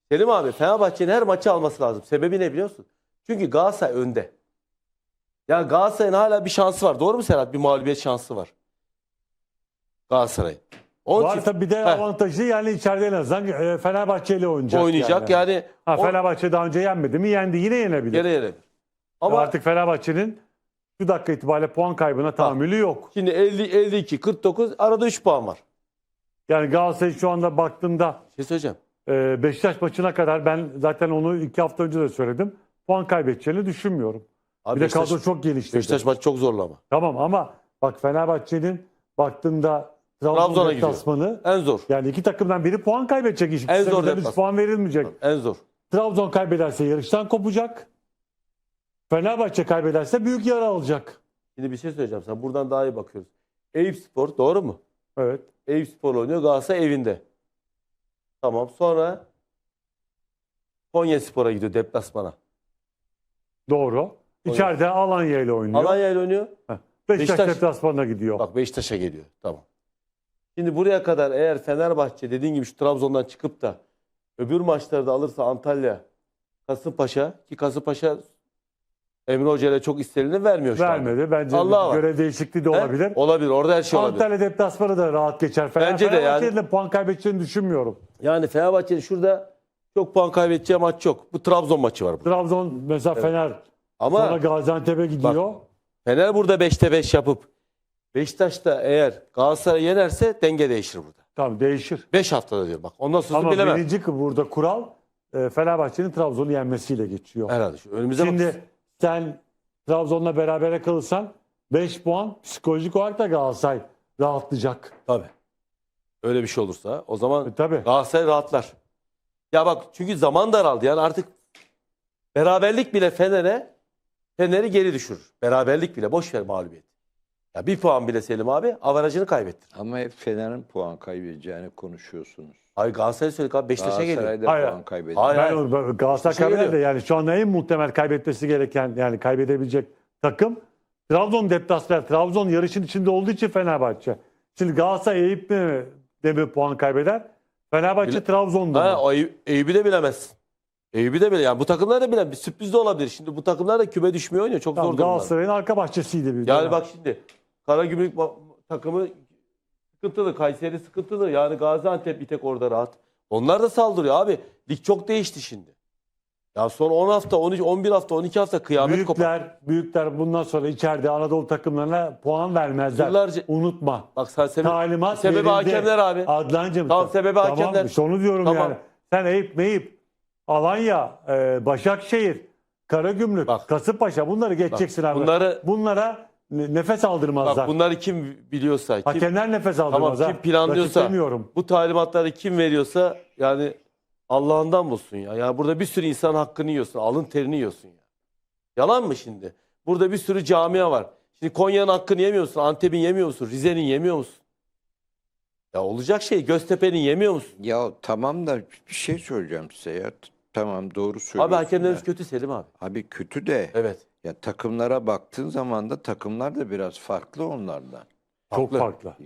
Selim abi, Fenerbahçe'nin her maçı alması lazım. Sebebi ne biliyorsun? Çünkü Galatasaray önde. Yani Galatasaray'ın hala bir şansı var. Doğru mu Serhat? Bir mağlubiyet şansı var. Galatasaray'ın. Onun Var için tabii, bir de avantajı yani içeride en azından Fenerbahçe ile oynayacak. Yani Fenerbahçe daha önce yenmedi mi? Yendi. Yine yenebilir. gene yenebilir. Ama Artık Fenerbahçe'nin şu dakika itibariyle puan kaybına tahammülü yok. şimdi 50, 52, 49 arada 3 puan var. Yani Galatasaray şu anda baktığında Bir şey söyleyeceğim. Beşiktaş maçına kadar ben zaten onu 2 hafta önce de söyledim. Puan kaybedeceğini düşünmüyorum. Abi Bir de kadro çok gelişti. Beşiktaş maçı çok zorlu ama. Tamam ama bak Fenerbahçe'nin baktığında Trabzon'a Trabzon gidiyor. deplasmanı, En zor. yani iki takımdan biri puan kaybedecek. En zor İkisinden 3 deplasman. puan verilmeyecek. En zor. Trabzon kaybederse yarıştan kopacak. Fenerbahçe kaybederse büyük yara alacak. Şimdi bir şey söyleyeceğim sana. Buradan daha iyi bakıyoruz. Eyüpspor doğru mu? Evet. Eyüpspor oynuyor. Galatasaray evinde. Tamam. Sonra Konyaspor'a gidiyor deplasmana. Doğru. İçeride Alanya ile oynuyor. Alanya ile oynuyor. Beşiktaş Beşiktaş- deplasmanına gidiyor. Bak Beşiktaş'a geliyor. Tamam. Şimdi buraya kadar eğer Fenerbahçe dediğin gibi şu Trabzon'dan çıkıp da öbür maçları da alırsa Antalya, Kasımpaşa ki Kasımpaşa Emre Hoca ile çok istenileni vermiyor şu anda. Vermedi. Bence Allah var. görev değişikliği de He? olabilir. Olabilir. Orada her şey olabilir. Antalya deplasmanı da rahat geçer. Bence de yani. Fenerbahçe'nin de puan kaybedeceğini düşünmüyorum. Yani Fenerbahçe'nin şurada çok puan kaybedeceği maç yok. Bu Trabzon maçı var burada. Trabzon mesela Fener sonra Ama Gaziantep'e gidiyor. Fener burada 5'te 5 yapıp Beşiktaş'ta eğer Galatasaray yenerse denge değişir burada. Tamam, değişir. 5 haftada diyor bak. Ondan sonra Ama bilemem. birinci burada kural Fenerbahçe'nin Trabzon'u yenmesiyle geçiyor. Herhalde. Önümüze Şimdi bak. sen Trabzon'la berabere kalırsan 5 puan psikolojik olarak da Galatasaray rahatlayacak. Tabii. Öyle bir şey olursa o zaman Tabii. Galatasaray rahatlar. Ya bak çünkü zaman daraldı. Yani artık beraberlik bile Fener'i geri düşürür. Beraberlik bile boş ver mağlubiyet. Ya bir puan bile Selim abi avarajını kaybettir. Ama hep Fener'in puan kaybedeceğini konuşuyorsunuz. Hayır Galatasaray söyledik abi Beşiktaş'a geliyor. Galatasaray'da Hayır. puan kaybediyor. Hayır. Ben Galatasaray Şey kaybeder de geliyor. yani şu anda en muhtemel kaybetmesi gereken, yani kaybedebilecek takım Trabzon deplasman. Trabzon yarışın içinde olduğu için Fenerbahçe. Şimdi Galatasaray Eyüp mi de mi puan kaybeder? Fenerbahçe Trabzon'da mı? O Eyüp'ü de bilemezsin. Eyüp'ü de bile yani bu takımlar da bilemez. Bir sürpriz de olabilir. Şimdi bu takımlar da küme düşmüyor oynuyor. Çok Tamam, zor durumlar. Galatasaray'ın arka bahçesiydi bir Yani dönem. bak şimdi Karagümrük takımı sıkıntılı. Kayseri sıkıntılı. Yani Gaziantep bir tek orada rahat. Onlar da saldırıyor abi. Lig çok değişti şimdi. Ya son 10 hafta, 13, 11 hafta, 12 hafta kıyamet kopar. Büyükler bundan sonra içeride Anadolu takımlarına puan vermezler. Yıllarca- Unutma. Bak sen Talimat sebebi verildi. hakemler abi. Adlancığım. Tamam, sebebi hakemler. işte onu diyorum Tamam. yani. Sen Eyüp, Alanya, Başakşehir, Karagümrük, Bak. Kasımpaşa bunları geçeceksin Bak, abi. Bunlara nefes aldırmazlar. Bak bunları kim biliyorsa, kim, Hakemler nefes tamam, aldırmaz. kim ha. planlıyorsa, Rakip demiyorum. bu talimatları kim veriyorsa yani Allah'ından bulsun ya. Yani burada bir sürü insan hakkını yiyorsun, alın terini yiyorsun ya. Yalan mı şimdi? Burada bir sürü camia var. Şimdi Konya'nın hakkını yemiyorsun, Antep'in yemiyor musun, Rize'nin yemiyor musun? Ya olacak şey, Göztepe'nin yemiyor musun? Ya tamam da bir şey söyleyeceğim size ya. Tamam, doğru söylüyorsun. Abi hakemlerimiz da. kötü Selim abi. Abi kötü de Evet. ya takımlara baktığın zaman da takımlar da biraz farklı onlardan. Çok Haklı. farklı.